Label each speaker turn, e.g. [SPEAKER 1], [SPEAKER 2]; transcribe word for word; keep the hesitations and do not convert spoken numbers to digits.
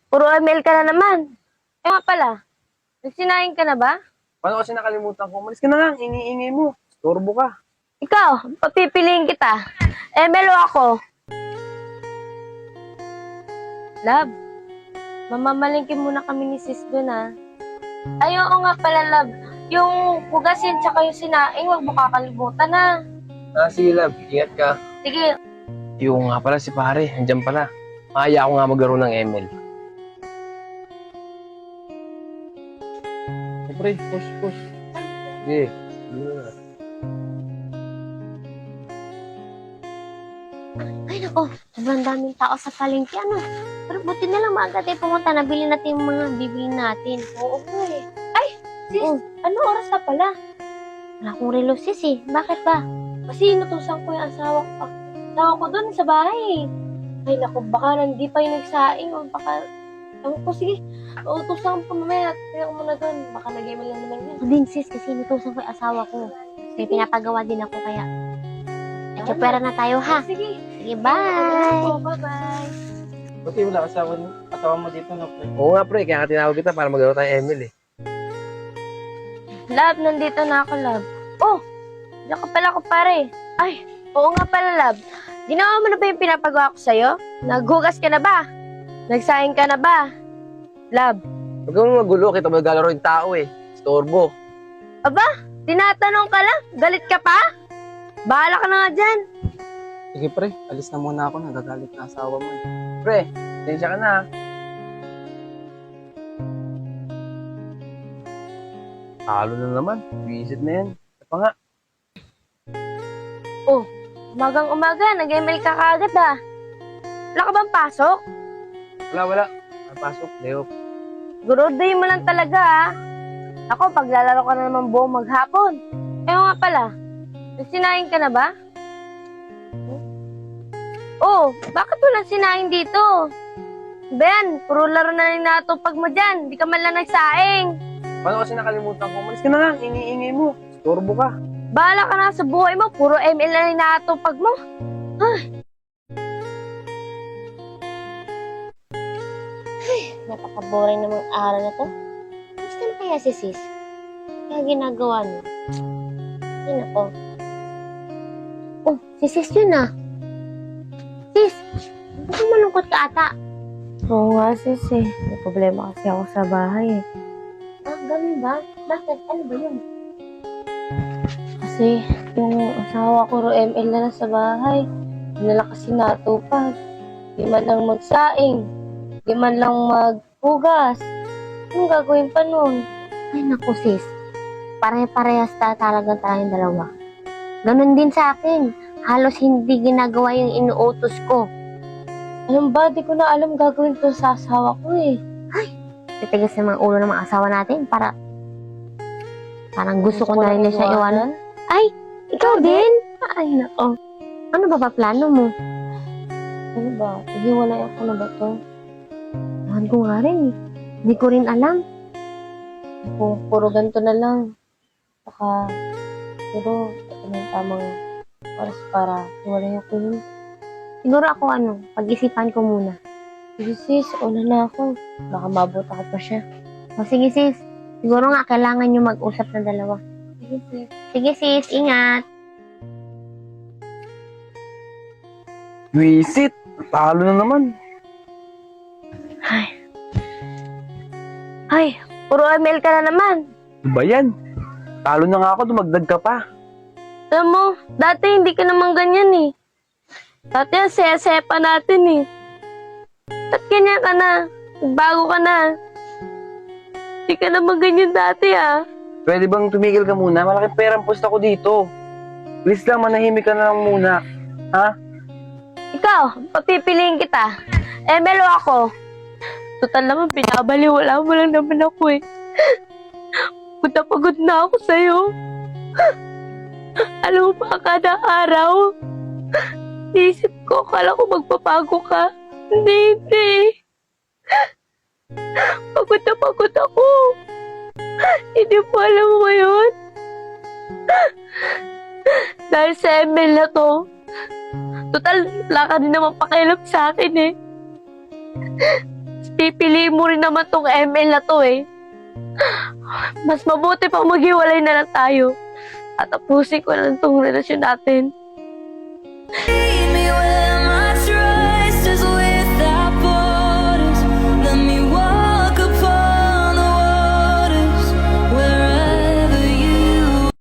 [SPEAKER 1] Puro email ka na naman. Eh nga pala, nagsinaing ka na ba?
[SPEAKER 2] Paano kasi nakalimutan ko? Umalis ka na lang, ingi-ingay mo. Storbo ka.
[SPEAKER 1] Ikaw, papipiliin kita. Email o ako? Love, mamamalingkin muna kami ni sis dun ah. Ay, oo nga pala, love. Yung hugasin tsaka yung sinaing, huwag mo kakalimutan na.
[SPEAKER 2] Ah, sige love, ingat ka.
[SPEAKER 1] Sige,
[SPEAKER 2] Yung nga pala si pare, andyan pala. Kaya ako nga maglaro ng M L. Eh, pre, push, push. Sige, sige na.
[SPEAKER 1] ay nako, sobrang daming tao sa palengke, ano? Pero buti na lang maaga tayo pumunta, nabili natin yung mga bibili natin. Oo po eh. Ay, sis, ano oras na pala? Wala akong relo, sis eh. Bakit ba? Kasi inutusan ko yung asawa ko. Asawa ko doon sa bahay eh. Ay nako, baka nandi pa yung nagsaing o baka... Ewan ko, sige. Utusan ko mamaya. Tingnan ko muna doon. Baka nag-email lang naman yun. Ako din sis, kasi inutusan ko yung asawa ko. Kasi pinapagawa din ako kaya. Nagkapera na tayo ha. Sige. Sige, bye. Bye-bye.
[SPEAKER 3] Buti wala asawa, asawa mo dito, no, pre?
[SPEAKER 2] Oo nga pre, kaya nga tinawag kita para maglaro tayo M L eh.
[SPEAKER 1] Love, nandito na ako, love. Oh, diyan ka pala ko, pare. Ay, oo nga pala, love. Ginawa mo na ba yung pinapagawa ko sa'yo? Naghugas ka na ba? Nagsaing ka na ba? Love.
[SPEAKER 2] Huwag kang magulo, kita mo naglalaro yung tao eh. Storbo.
[SPEAKER 1] Aba, tinatanong ka lang? Galit ka pa? Bahala ka na nga dyan.
[SPEAKER 3] Sige, pre. Alis na muna ako. Nagagalit na asawa mo, eh.
[SPEAKER 2] Pre, tensya ka na. Talo na naman. Visit na yan. Ano pa nga?
[SPEAKER 1] Oh, umagang umaga, nag-email ka kaagad ah. Wala ka bang pasok?
[SPEAKER 2] Wala, wala. Pasok, Leo.
[SPEAKER 1] Gurudayin mo lang talaga ah. Ako, paglalaro ka na naman buong maghapon. Eh nga pala, nagsinaing ka na ba? Oh, bakit wala sinaing dito? Ben, puro laro na rin natupag mo dyan. Di ka man lang nagsaing.
[SPEAKER 2] Paano kasi nakalimutan ko? Umalis ka na lang, ingi-ingay mo. Storbo ka.
[SPEAKER 1] Bahala ka na sa buhay mo. Puro M L na rin natupag mo. Ay. Ay, napaka-boring namang araw na to. Gusto na kaya si sis? Kaya ginagawa niyo? Ay, nako. Oh, si sis yun ah. Sis, bakit malungkot ka ata? Oo nga sis eh. May problema kasi ako sa bahay eh. Ah, ganun ba? Bakit? Ano ba yun? Kasi yung asawa ko ro M L na lang sa bahay. Hindi na lang kasi natupag. Di man lang magsaing. Di man lang maghugas. Anong gagawin pa nun? Ay naku sis. Pare-parehas ta talaga tayong dalawa. Ganon din sa akin. Halos hindi ginagawa yung inuutos ko. Alam ba, di ko na alam gagawin to sa asawa ko eh. Ay, titigas sa mga ulo ng mga asawa natin para parang gusto ko na rin na siya iwanan. Ay, ikaw din? Ay, nako. Ano ba ba plano mo? Ano ba? Hiwalay ako na ba to? Lahan ko nga rin eh. Hindi ko rin alam. Ako, puro ganito na lang. Saka, puro, ito na yung tamang oras para hiwalay ako yun. Siguro ako ano, pag-isipan ko muna. Sige sis, una na ako. Baka mabot ako pa siya. O sige sis, siguro nga kailangan nyo mag-usap ng dalawa. Sige sis. Sige sis, ingat.
[SPEAKER 2] Visit! Talo na naman.
[SPEAKER 1] Ay. Ay, puro email ka na naman.
[SPEAKER 2] Ano ba yan? Talo na nga ako, dumagdag ka pa.
[SPEAKER 1] Alam mo, dati hindi ka naman ganyan eh. Dati ang saya-saya pa natin eh. Ba't ganyan ka na? Bago ka na. Hindi ka naman ganyan dati ah.
[SPEAKER 2] Pwede bang tumigil ka muna? Malaking perang post ako dito. Please lang, manahimik ka na lang muna. Ha?
[SPEAKER 1] Ikaw, papipiliin kita. Email o ako? Total naman, pinabaliwala mo lang naman ako eh. Pagod na pagod na ako sa'yo. Alam mo ba, kada araw, naisip ko, akala ko magpapago ka. Hindi, hindi. Pagod na pagod ako. Hindi mo alam mo yun. Dahil sa email na to, total, wala ka din naman pakialam sa akin eh. pipiliin mo rin naman tong M L na to eh. Mas mabuti pang maghiwalay na lang tayo. At tapusin ko na lang tong relasyon natin.